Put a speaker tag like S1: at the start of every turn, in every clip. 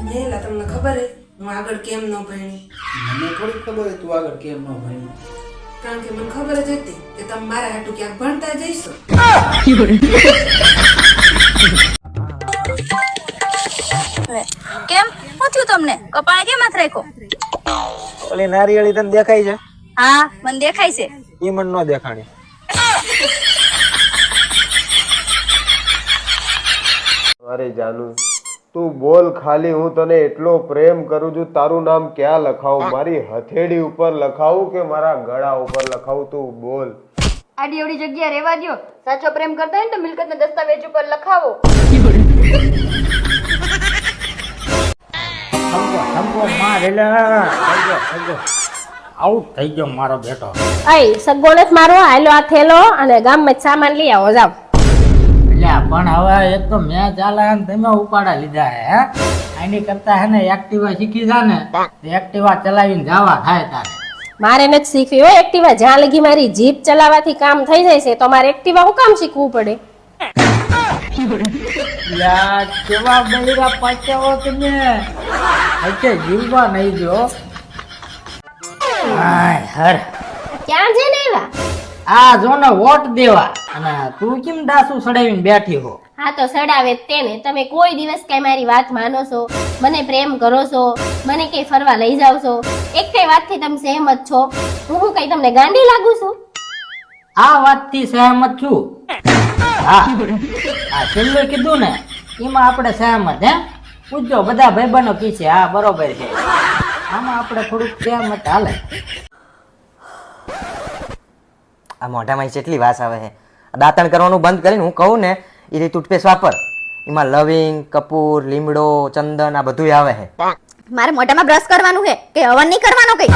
S1: નેલા તમને ખબર હે હું આગળ કેમ ન ભણી?
S2: મને થોડી ખબર તું આગળ કેમ ન ભણી.
S1: કારણ કે મને ખબર જ હતી કે તમે મારા હાટુ ક્યાંક ભણતા જઈશો.
S3: કેમ શું થયું તમને? કપાળ કેમ હાથ રાખ્યો?
S4: ઓલી નારિયેળી તને દેખાય છે?
S3: હા મને દેખાય છે.
S4: ઈ મને ન દેખાણી.
S5: અરે જાનુ તું બોલ ખાલી, હું તને એટલો પ્રેમ કરું છું. તારું નામ ક્યાં લખાવું? મારી હથેળી ઉપર લખાવું કે મારા ગળા ઉપર લખાવું? તું બોલ.
S6: આડી એવડી જગ્યા રહેવા દ્યો. સાચો પ્રેમ કરતા હોય ને તો મિલકતના દસ્તાવેજ ઉપર લખાવો.
S7: આઉટ થઈ ગયો મારો બેટો.
S8: અય સગોણસ મારો હાલો આ થેલો અને ગામમાં સામાન લઈ આવો જાવ.
S7: એટલે પણ હવે એક તો મેં ચાલે ને તમે ઉપાડા લીધા હે આની કરતા હે ને એક્ટિવા શીખી જા ને એક્ટિવા ચલાવીને જવા થાય તારે.
S8: મારે નથી શીખવી હોય એક્ટિવા. જ્યાં લગી મારી જીપ ચલાવવાથી કામ થઈ જાય છે તો મારે એક્ટિવા હું કામ શીખવું પડે?
S7: યા કેવા બૈરા પાછાઓ તમે એટલે જીવવા નહીં જો. હાય હર
S8: ક્યાં છે ને એવા?
S7: આ જો ને વોટ દેવા અને તું કેમ દાસુ સડાવીને બેઠી હો?
S8: હા તો સડાવે જ તેને. તમે કોઈ દિવસ કઈ મારી વાત માનો છો? મને પ્રેમ કરો છો? મને કઈ ફરવા લઈ જાવ છો? એક કઈ વાતથી તમે સહેમત છો? હું કઈ તમને ગાંડી લાગુ છું?
S7: આ વાતથી સહેમત છું. હા આ છેલ્લું કીધું ને એમાં આપણે સહેમત હે. પૂછજો બધા ભાઈબંધો કી છે. હા બરોબર છે. આમાં આપણે થોડુંક સહેમત હાલે.
S4: આ મોઢામાં કેટલી વાસ આવે છે. દાંતણ કરવાનું બંધ કરીને હું કહું ને એ રીતે ટૂથપેસ્ટ વાપર. એમાં લવિંગ, કપૂર, લીમડો, ચંદન આ બધું આવે છે.
S6: મારે મોઢામાં બ્રશ કરવાનું છે કે હવન નહીં કરવાનો કઈ?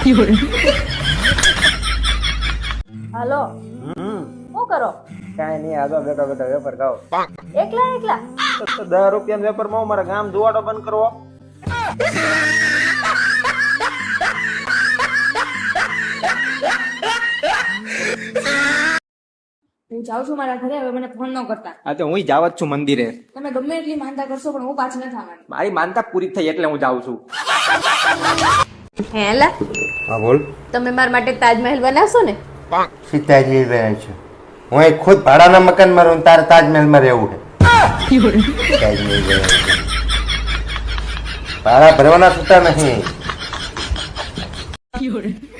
S8: હાલો શું કરો?
S4: કાંઈ નહીં, આગળ બેઠા બેઠા વેપાર ખાઓ.
S8: એકલા એકલા?
S4: તો 10 રૂપિયાનો વેપારમાં મારા ગામ જોવાડો બંધ કરવો.
S6: હું જાઉં છું મારા ઘરે. હવે મને ફોન ન કરતા.
S4: હા તો હું જાવ જ છું મંદિરે.
S6: તમે ગમે એટલી માનતા કરશો પણ હું પાછી નથી આવવાની.
S4: મારી માનતા પૂરી થઈ એટલે હું જાઉં છું.
S6: હેલા
S5: હા બોલ.
S6: તમે મારા માટે તાજમહેલ બનાવશો ને?
S5: સીતાજી રહ્યા છે. હું એક ખુદ ભાડાના મકાનમાં રહું, તારે તાજમહેલમાં રહેવું છે. તાજમહેલ રહ્યા છે. ભાડા ભરવાના છૂટા નહીં.